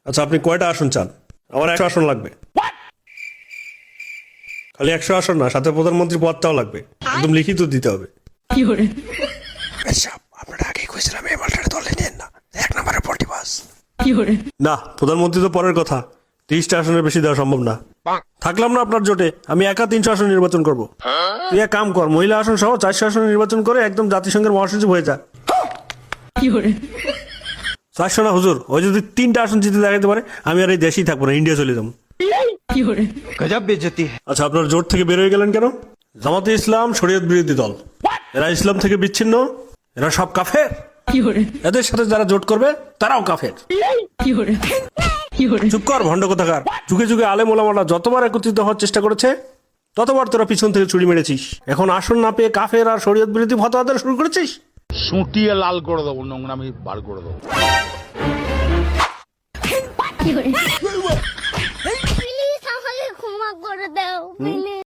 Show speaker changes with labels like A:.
A: আচ্ছা, আপনি কয়টা আসন চান? আমার 100 আসন লাগবে। খালি 100 আসন না, সাথে প্রধানমন্ত্রী পদটাও লাগবে, একদম লিখিত দিতে হবে। আপনারা আগেই কইছিলাম এই মালটার দলে নেন না, 1 নম্বরে পটিবাস। না, প্রধানমন্ত্রী তো পরের কথা, 30টা আসনের বেশি দেওয়া সম্ভব না। থাকলাম না আপনার জোটে, আমি একা 300 আসন নির্বাচন করব। তুই এক কাম কর, মহিলা আসন সহ 400 আসন নির্বাচন করে একদম জাতিসংঘের মহাসচিব হয়ে যা। 400 না হুজুর, ওই যদি 3টা আসন জিতে দেখাতে পারে, আমি আর এই দেশেই থাকবো না, ইন্ডিয়া চলে যাবো।
B: गजब बेइज्जती है।
A: আচ্ছা, আপনার জোট থেকে বের হয়ে গেলেন কেন? জামাতে ইসলাম শরীয়ত বিরোধী দল, এরা ইসলাম থেকে বিচ্ছিন্ন, এরা সব কাফের। এদের সাথে যারা জোট করবে তারাও কাফের। চুপ কর ভণ্ড কোথাকার। যুগে যুগে আলেম ওলামারা যতবার একত্রিত হওয়ার চেষ্টা করেছে, ততবার তোরা পিছন থেকে ছুরি মেরেছিস। এখন আসন না পেয়ে কাফের আর শরীয়ত বিরোধী ফতোয়া দেওয়া শুরু করেছিস।
C: সুটিয়ে লাল করে দেবো, নোংরামি বার করে দেবো।
D: প্লিজ আমাকে ক্ষমা করে দাও প্লিজ।